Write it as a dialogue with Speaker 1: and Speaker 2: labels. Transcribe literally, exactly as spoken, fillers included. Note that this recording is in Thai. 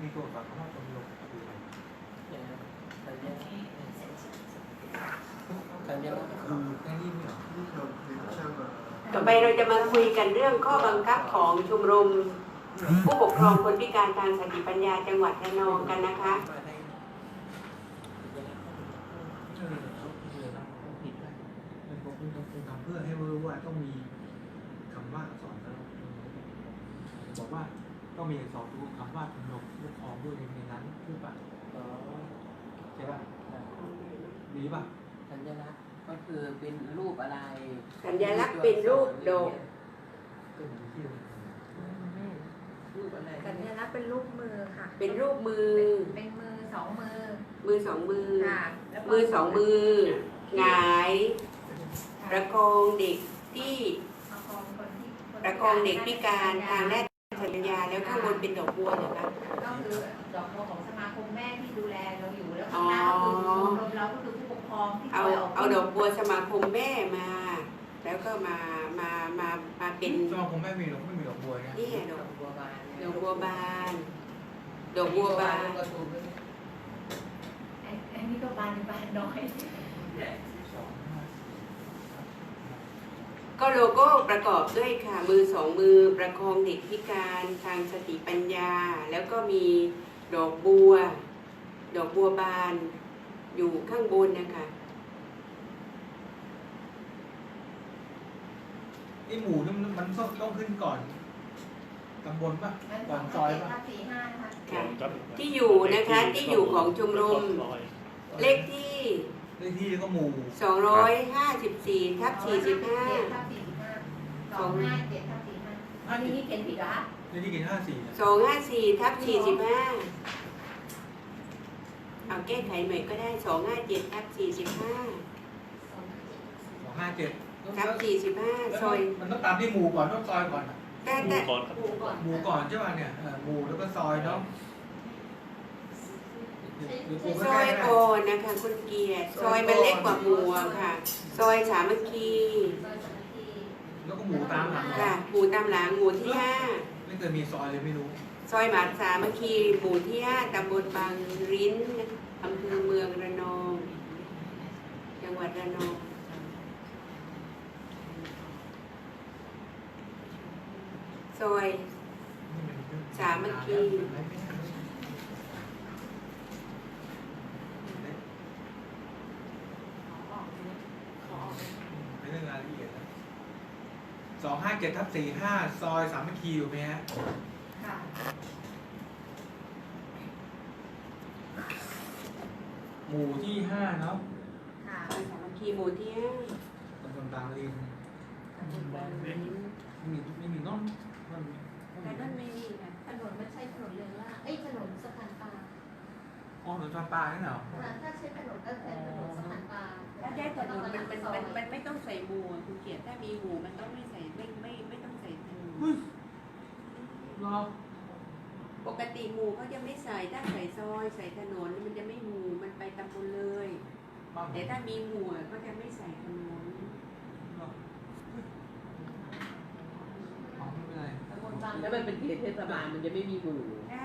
Speaker 1: มีตัวแบบว่าชมรมคืออะไรสัญญาสัญญาคือแค่นี้ไม่หรอ
Speaker 2: ต่อไปเราจะมาคุยกันเรื่องข้อบังคับของชมรมผู้ปกครองคนพิการทางสติปัญญาจังหวัดระนองกันนะคะ
Speaker 1: เพื่อให้รู้ว่าต้องมีคำว่าสอนแล้วบอกว่าต้องมีสอนรู้คำว่าชมรมผู้ปกครองด้วยในนั้นคือป่ะใช่ป่ะดีป่ะ
Speaker 3: สัญลักษณ์ก็คือเป็นรูปอะไร
Speaker 2: สัญลักษณ์เป็นรูปดอก
Speaker 3: รูปอะไร
Speaker 4: สัญลักษณ์เป็นรูปมือค่ะ
Speaker 2: เป็นรูปมือ
Speaker 4: เป็นมือสองมือ
Speaker 2: มือสองมือ
Speaker 4: ค่ะ
Speaker 2: มือสองมือหงายประคองเด็กที่ประคองเด็กพิการทางด้านสัญญาแล้วข้างบนเป็นดอกบัวเหรอคะ
Speaker 4: ก็คือดอกบัวของสมาคมแม่ที่ดูแลเราอยู่แล้วข้างหน้าก็คือชมรมเราก็คือผู้ปกครองที่
Speaker 2: เอาเอาดอกบัวสมาคมแม่มาแล้วก็มามามามาเป็น
Speaker 1: สมาคมแม่มีหรอกไม่มีดอกบัวนะ
Speaker 2: นี่ดอกบัวบานดอกบัวบานดอกบัวบาน
Speaker 4: อันนี้ก็บานบานน้อย
Speaker 2: ก็โลโก้ประกอบด้วยค่ะมือสองมือประคองเด็กพิการทางสติปัญญาแล้วก็มีดอกบัวดอกบัวบานอยู่ข้างบนนะคะ
Speaker 1: ไอหมูนี่มันต้องขึ้นก่อนตำบลป่ะก่อนซอยป่ะ
Speaker 2: ค่ะที่อยู่นะคะที่อยู่ของชมรมเลขที่
Speaker 1: เลขที่ก็หมู่
Speaker 2: สองร้อยห้าสิบสี่ทับสี่สิบห้า
Speaker 4: สองห้าเจ็ดทับสี่ห้าอันนี้เขียนผิดเหรอ
Speaker 1: เลขที่เขียนห้าสี่
Speaker 2: สองห้าสี่ทับสี่สิบห้าเอาแก้ไขใหม่ก็ได้สองห้าเจ็ดทับสี่สิบห้า
Speaker 1: สองห้าเจ็ด
Speaker 2: ทับสี่สิบห้าซอย
Speaker 1: มันต้องตามที่หมู่ก่อนต้องซอยก่อน
Speaker 2: แต่แต่
Speaker 1: หมู่ก่อนหมู่ก่อนใช่ป่ะเนี่ยหมู่แล้วก็ซอยเนาะ
Speaker 2: ซอยก่อนนะคะคุณเกียรติซอยมันเล็กกว่าหมู่ค่ะซอยสามัคคี
Speaker 1: แล้วก็หมู่ตามหลัง
Speaker 2: ค่ะหมู่ตามหลังหมู่ที่ห้า
Speaker 1: ไม่เคยมีซอยเลยไม่รู้
Speaker 2: ซอยหมาสามัคคีหมู่ที่ห้าตำบลบางริ้นอำเภอเมืองระนองจังหวัดระนองซอยสามัคคี
Speaker 1: สองห้าเจ็ดทับสี่ห้าซอยสามัคคีอยู่ไหมฮะ
Speaker 4: ค่ะ
Speaker 1: หมู่ที่ห้าเนาะ
Speaker 4: ค่ะ
Speaker 2: ซอยสามัคคีหมู่ที่ห้า
Speaker 1: ตำบลบางริน
Speaker 2: ตำบลบางริน
Speaker 1: ไม่มีไม่มีน้อง
Speaker 4: แต่นั่นไม่มีค่ะถนนไม่ใช่ถนนเรืองล่าเอ้ยถนนสะพานปลา
Speaker 1: อ๋อถนนสะพานปลาเนี่ยเหรอ
Speaker 4: ถ้าใช้ถนนก็เป็นถนนสะพานปลา
Speaker 2: ถ้าใช้ถนนมันมันมันมันไม่ต้องใส่หมู่คุณเกียรติถ้ามีหมู่มันต้องไม่ใส่ไม่ไม่ไม่ต้องใส่ถนน
Speaker 1: รอ
Speaker 2: ปกติหมู่เขาจะไม่ใส่ถ้าใส่ซอยใส่ถนนมันจะไม่หมู่มันไปตำบลเลยแต่ถ้ามีหมู่ก็จะไม่ใส่ถนน
Speaker 3: แล้วมันเป็นเขตเทศบาลมันจะไม่มีหมู่
Speaker 2: ใช่